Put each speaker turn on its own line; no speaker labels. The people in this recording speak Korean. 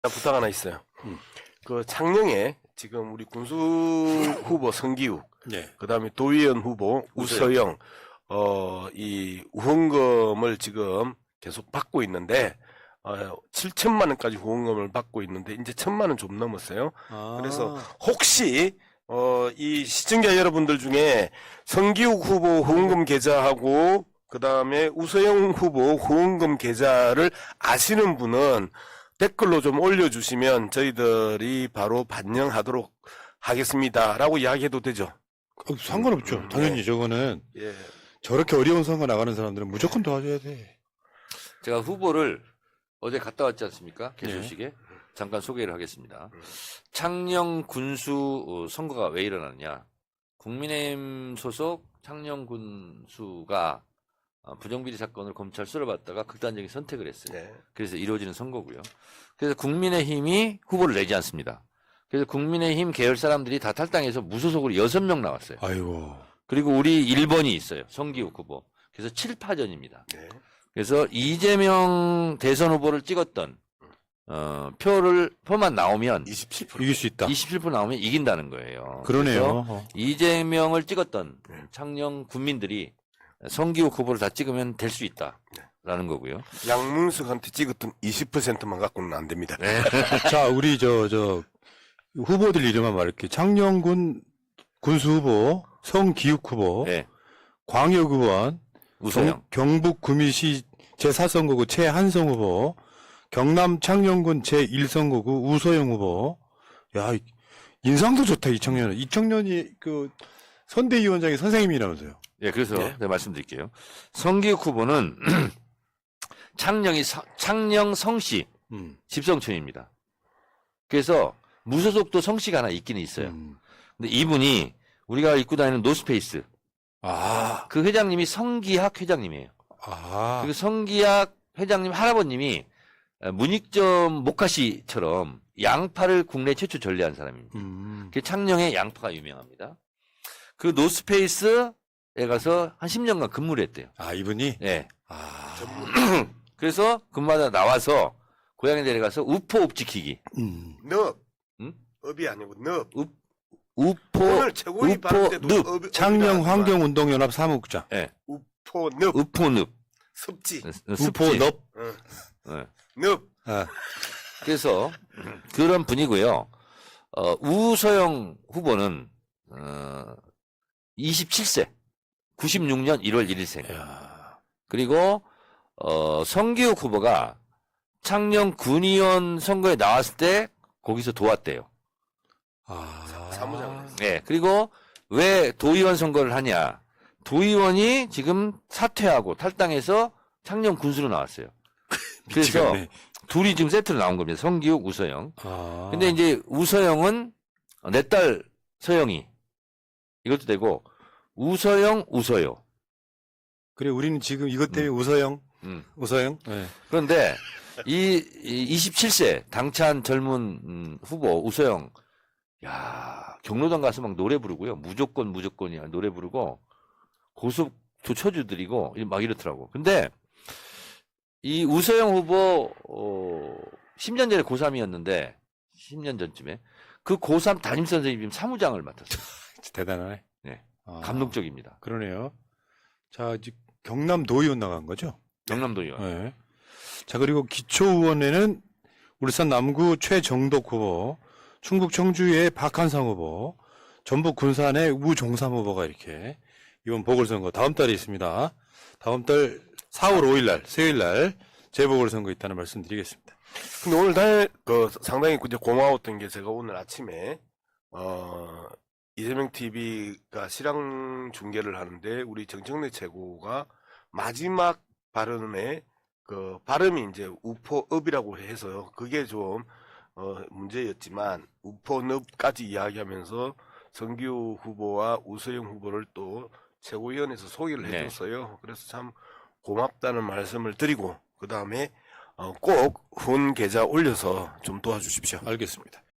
부탁 하나 있어요. 그 창녕에 지금 우리 군수 후보 성기욱,
네.
그다음에 도의원 후보 우서영, 이 후원금을 지금 계속 받고 있는데 7천만 원까지 후원금을 받고 있는데 이제 1,000만 원 좀 넘었어요. 그래서 혹시 이 시청자 여러분들 중에 성기욱 후보 후원금 계좌하고 그다음에 우서영 후보 후원금 계좌를 아시는 분은 댓글로 좀 올려주시면 저희들이 바로 반영하도록 하겠습니다라고 이야기해도 되죠.
상관없죠. 당연히 저거는
예.
저렇게 어려운 선거 나가는 사람들은 무조건 도와줘야 돼.
제가 후보를 어제 갔다 왔지 않습니까? 개소식에. 잠깐 소개를 하겠습니다. 창녕 군수 선거가 왜 일어났냐. 국민의힘 소속 창녕 군수가 부정비리 사건을 검찰 수사받다가 극단적인 선택을 했어요.
네.
그래서 이루어지는 선거고요. 그래서 국민의힘이 후보를 내지 않습니다. 그래서 국민의힘 계열 사람들이 다 탈당해서 무소속으로 6명 나왔어요.
아이고.
그리고 우리 1번이 있어요. 성기욱 후보. 그래서 7파전입니다.
네.
그래서 이재명 대선 후보를 찍었던 표만 나오면
27%.
이길 수 있다.
27% 나오면 이긴다는 거예요.
그러네요.
그래서 이재명을 찍었던 창녕 군민들이 성기욱 후보를 다 찍으면 될 수 있다라는 거고요.
양문석한테 찍었던 20%만 갖고는 안 됩니다.
네.
자, 우리 저 후보들 이름만 말할게요. 창녕군 군수 후보, 성기욱 후보,
네.
광역 의원,
우서영.
경북 구미시 제4선거구 최한성 후보, 경남 창녕군 제1선거구 우서영 후보. 야, 인상도 좋다, 이 청년은. 이 청년이 그 선대위원장의 선생님이라면서요.
예, 그래서 내가 말씀드릴게요. 성기욱 후보는 창녕 성씨 집성촌입니다. 그래서 무소속도 성씨가 하나 있기는 있어요. 근데 이분이 우리가 입고 다니는 노스페이스 그 회장님이 성기학 회장님이에요. 그리고 성기학 회장님 할아버님이 문익점 모카씨처럼 양파를 국내 최초 전래한 사람입니다. 그 창녕에 양파가 유명합니다. 그 노스페이스에 가서 한 10년간 근무를 했대요.
아, 이분이?
네. 그래서 근무하다 나와서 고향에 내려가서 우포읍 지키기.
늪.
응?
업이 아니고 늪.
우포
최고위 받을 때도
늪.
창녕 환경운동연합 사무국장.
네.
우포늪.
우포늪.
습지.
우포넙.
네.
늪.
그래서 그런 분이고요. 우서영 후보는 27세. 96년 1월 1일생. 그리고 성기욱 후보가 창녕 군의원 선거에 나왔을 때 거기서 도왔대요.
사무장.
네. 그리고 왜 도의원 선거를 하냐. 도의원이 지금 사퇴하고 탈당해서 창녕 군수로 나왔어요. 그래서
미치겠네.
둘이 지금 세트로 나온 겁니다. 성기욱, 우서영.
아.
근데 이제 우서영은 내 딸 서영이 이것도 되고 우서영, 우서요.
그래, 우리는 지금 이것 때문에 우서영. 우서영? 네.
그런데 이 27세 당찬 젊은 후보 우서영, 야 경로당 가서 막 노래 부르고요. 무조건이야 노래 부르고 고속 조처주들이고 막 이렇더라고. 근데 이 우서영 후보 10년 전에 고3이었는데 10년 전쯤에 그 고3 담임 선생님이 지금 사무장을 맡았어요.
대단하네.
네.
아,
감동적입니다.
그러네요. 자, 이제 경남 도의원 나간 거죠?
경남도 의원.
네. 자, 그리고 기초의원에는 울산 남구 최정덕 후보, 충북 청주의 박한상 후보, 전북 군산의 우종삼 후보가 이렇게 이번 보궐선거 다음 달에 있습니다. 다음 달 4월 5일 날, 수요일 날 재보궐선거 있다는 말씀 드리겠습니다.
근데 오늘 상당히 이제 고마웠던 게 제가 오늘 아침에 이재명 TV가 실황 중계를 하는데 우리 정청래 최고가 마지막 발언에 그 발음이 이제 우포읍이라고 해서요. 그게 좀 문제였지만 우포늪까지 이야기하면서 성기욱 후보와 우서영 후보를 또 최고위원회에서 소개를 해줬어요. 그래서 참 고맙다는 말씀을 드리고 그 다음에 꼭 후원 계좌 올려서 좀 도와주십시오.
알겠습니다.